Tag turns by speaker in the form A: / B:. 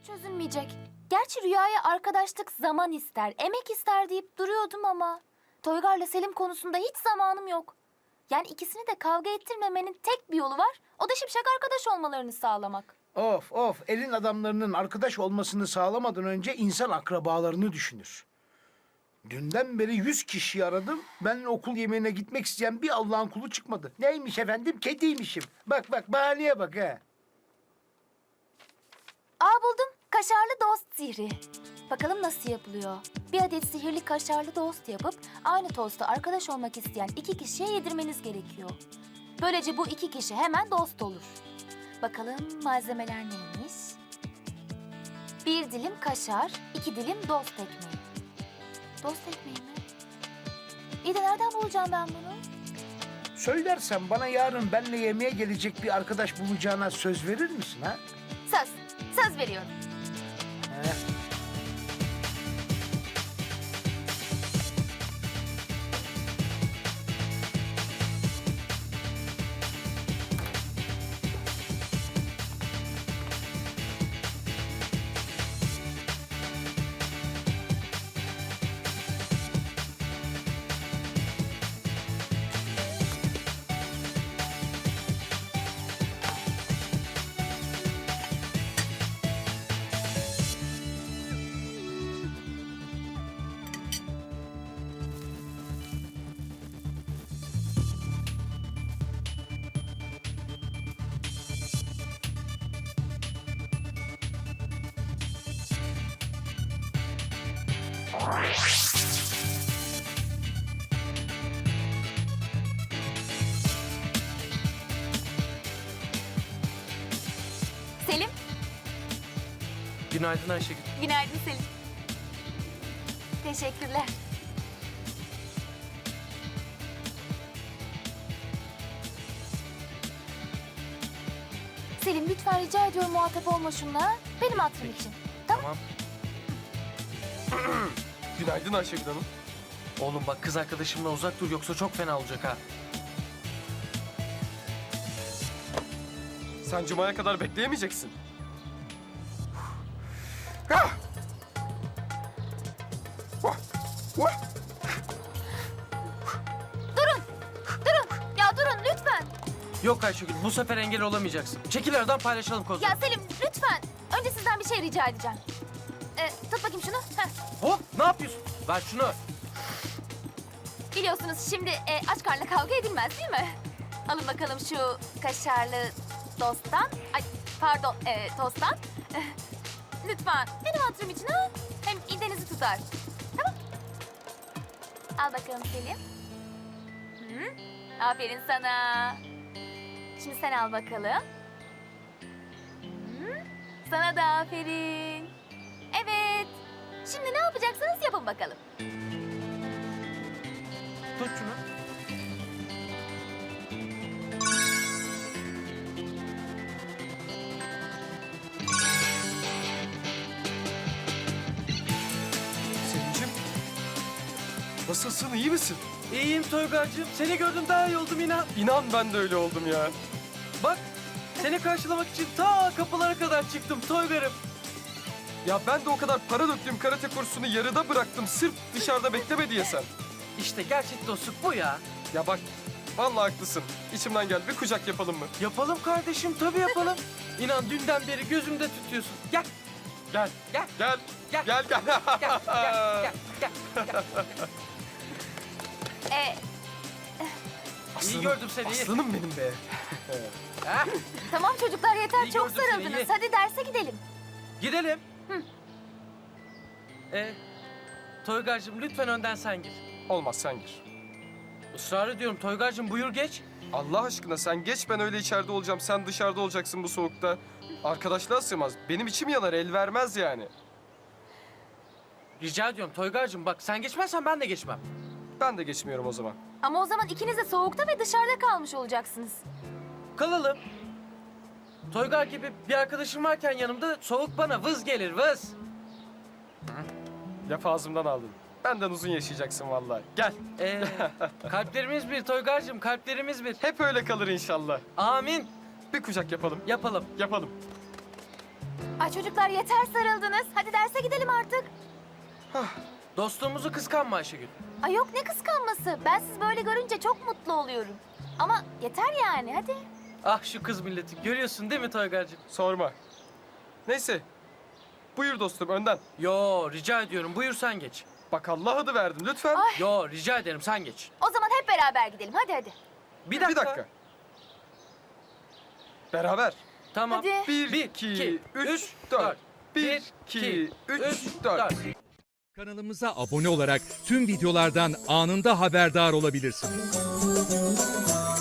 A: çözülmeyecek. Gerçi Rüya'ya arkadaşlık zaman ister, emek ister deyip duruyordum ama... Toygar'la Selim konusunda hiç zamanım yok. Yani ikisini de kavga ettirmemenin tek bir yolu var. O da şipşak arkadaş olmalarını sağlamak.
B: Of of, elin adamlarının arkadaş olmasını sağlamadan önce insan akrabalarını düşünür. Dünden beri 100 kişiyi aradım. Benimle okul yemeğine gitmek isteyen bir Allah'ın kulu çıkmadı. Neymiş efendim? Kediymişim. Bak bak, bahaneye bak ha.
A: Buldum. Kaşarlı dost sihri. Bakalım nasıl yapılıyor? Bir adet sihirli kaşarlı dost yapıp aynı tosta arkadaş olmak isteyen 2 kişiye yedirmeniz gerekiyor. Böylece bu 2 kişi hemen dost olur. Bakalım malzemeler neymiş? 1 dilim kaşar, 2 dilim dost ekmeği. Dost ekmeği mi? İyi de nereden bulacağım ben bunu?
B: Söylersen bana yarın benimle yemeğe gelecek bir arkadaş bulacağına söz verir misin ha?
A: Söz. Söz veriyorum.
B: He.
A: Selim.
C: Günaydın Ayşegül.
A: Günaydın Selim. Teşekkürler. Selim lütfen rica ediyorum muhatap olma şunla. Benim hatırım için. Tamam.
C: Tamam.
D: Günaydın Ayşegül Hanım.
C: Oğlum bak kız arkadaşımla uzak dur yoksa çok fena olacak ha.
D: Sen Cuma'ya kadar bekleyemeyeceksin. Ah! Vah! Vah!
A: Ya durun lütfen.
C: Yok Ayşegül bu sefer engel olamayacaksın. Çekil aradan paylaşalım kozları.
A: Ya Selim lütfen. Önce sizden bir şey rica edeceğim. Tut bakayım şunu. Heh.
C: Hop ne yapıyorsun? Ver şunu.
A: Biliyorsunuz şimdi aç karnla kavga edilmez değil mi? Alın bakalım şu kaşarlı dosttan. Ay pardon tosttan. Lütfen benim hatırım için ha. Hem idenizi tutar. Tamam. Al bakalım Selim. Hı? Aferin sana. Şimdi sen al bakalım. Hı? Sana da aferin. Evet. Şimdi ne yapacaksınız yapın bakalım.
C: Tut şunu.
D: Selim'cim. Nasılsın, iyi misin?
C: İyiyim Toygar'cığım. Seni gördüm daha iyi oldum inan.
D: İnan ben de öyle oldum ya.
C: Bak seni karşılamak için ta kapılara kadar çıktım Toygar'ım.
D: Ya ben de o kadar para döktüğüm karate kursunu yarıda bıraktım. Sırf dışarıda bekleme diye sen.
C: İşte gerçek dostluk bu ya.
D: Ya bak, vallahi haklısın. İçimden gel, bir kucak yapalım mı?
C: Yapalım kardeşim tabii yapalım. İnan dünden beri gözümde tutuyorsun. Gel.
D: Gel,
C: Gel.
D: gel,
C: Gel.
D: gel, gel.
C: Gel. Gel. Gel. Gel. İyi gördüm seni. iyi.
D: Aslanım benim be.
C: Ha?
A: Tamam çocuklar yeter
C: İyi
A: çok
C: gördüm seni,
A: sarıldınız.
C: iyi.
A: Hadi derse gidelim.
C: Gidelim. Toygar'cığım lütfen önden sen gir.
D: Olmaz, sen gir.
C: Israr ediyorum Toygar'cığım buyur geç.
D: Allah aşkına sen geç, ben öyle içeride olacağım. Sen dışarıda olacaksın bu soğukta. Arkadaşlığa sığmaz. Benim içim yanar, el vermez yani.
C: Rica ediyorum Toygar'cığım bak sen geçmezsen ben de geçmem.
D: Ben de geçmiyorum o zaman.
A: Ama o zaman ikiniz de soğukta ve dışarıda kalmış olacaksınız.
C: Kalalım. Toygar gibi bir arkadaşım varken yanımda soğuk bana vız gelir vız.
D: Laf ağzımdan aldın. Benden uzun yaşayacaksın vallahi. Gel.
C: Kalplerimiz bir Toygar'cığım kalplerimiz bir.
D: Hep öyle kalır inşallah.
C: Amin.
D: Bir kucak yapalım.
C: Yapalım.
D: Yapalım.
A: Ay çocuklar yeter sarıldınız. Hadi derse gidelim artık.
C: Dostluğumuzu kıskanma Ayşegül.
A: Ay yok ne kıskanması. Ben sizi böyle görünce çok mutlu oluyorum. Ama yeter yani hadi.
C: Ah şu kız milleti. Görüyorsun değil mi Toygar'cığım?
D: Sorma. Neyse. Buyur dostum önden.
C: Yo rica ediyorum. Buyur sen geç.
D: Bak Allah adı verdim lütfen.
A: Ay.
C: Yo rica ederim sen geç.
A: O zaman hep beraber gidelim. Hadi.
C: Bir dakika.
D: Bir dakika. Beraber.
C: Tamam.
A: Hadi.
D: 1,
C: Bir,
D: 2,
C: iki,
D: 3,
C: üç,
D: 4.
C: dört.
D: 1, 2, 3, 4.
E: Kanalımıza abone olarak tüm videolardan anında haberdar olabilirsiniz.